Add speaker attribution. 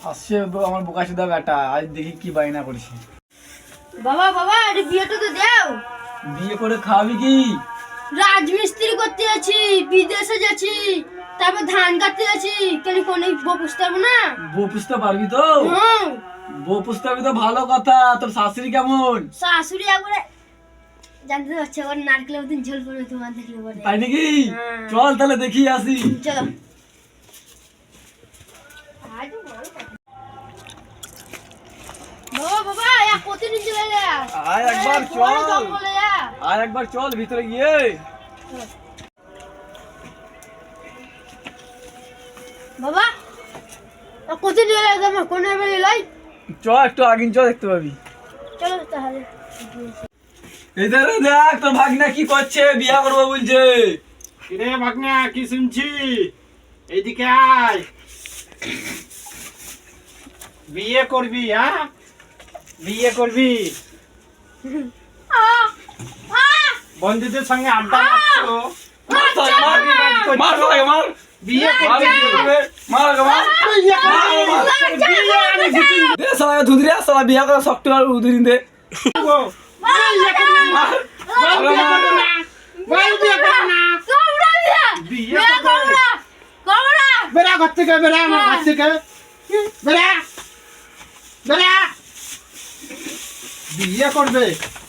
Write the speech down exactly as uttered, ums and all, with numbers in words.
Speaker 1: আসছে আমার বোকাচোদা বেটা, আজ দেখি কি বায়না করেছে।
Speaker 2: বাবা বাবা এটা বিয়েটা তো দাও।
Speaker 1: বিয়ে করে খাওয়াবি কি?
Speaker 2: রাজমিস্ত্রি করতে যাচ্ছি, বিদেশে যাচ্ছি, তারপর ধান কাটতে যাচ্ছি, কেন কোন বউ পুষতে পারবো না?
Speaker 1: বউ পুষতে পারবি তো?
Speaker 2: হুম।
Speaker 1: বউ পুষতে পারবি তো ভালো কথা। তোর শাশুড়ি কেমন?
Speaker 2: শাশুড়ি একবারে জানতে তো পারছো, ওর নারকেলের মতন ঝোল পড়বে তোমার দেখলে পরে।
Speaker 1: তাই নাকি?
Speaker 2: হ্যাঁ।
Speaker 1: চল তাহলে দেখি আসি।
Speaker 2: চলো। বাবা বাবা এক প্রতিদিন চলে যা।
Speaker 1: আয় একবার
Speaker 2: বড়
Speaker 1: চল।
Speaker 2: জঙ্গলে যা।
Speaker 1: আয় একবার চল ভিতরে গিয়ে।
Speaker 2: বাবা এক প্রতিদিন চলে যা, আমার কোন বেলা লাই।
Speaker 1: চ একটু আগিন চ, দেখতে পাবি।
Speaker 2: চলো তাহলে।
Speaker 1: এধারে দেখ তোর ভাগনা কি করছে, বিয়া করবো বলছে।
Speaker 3: কিরে ভাগ্না, কি শুনছি? এইদিকে আয়। বিয়ে করবি? হ্যাঁ, বিয়ে করবি?
Speaker 2: আহ আহ
Speaker 3: বন্ধুদের সঙ্গে আড্ডা মারছো,
Speaker 1: মার মার মার মার
Speaker 3: বিয়ে
Speaker 1: মার
Speaker 3: করবি?
Speaker 1: মার মার
Speaker 3: বিয়ে করবি? বিয়ে আমি ঘুচিয়ে
Speaker 1: দে সালা ধুদরি সালা বিয়া করে শক্ত আর উদরিন দে।
Speaker 3: দেবো। বিয়ে করবি? বল বিয়ে করবো না, বল বিয়ে করবো না। বিয়ে করবো না। বেড়া ঘর থেকে, বেড়া আমার ঘর থেকে, বেড়া বেড়া। বিয়ে করবে?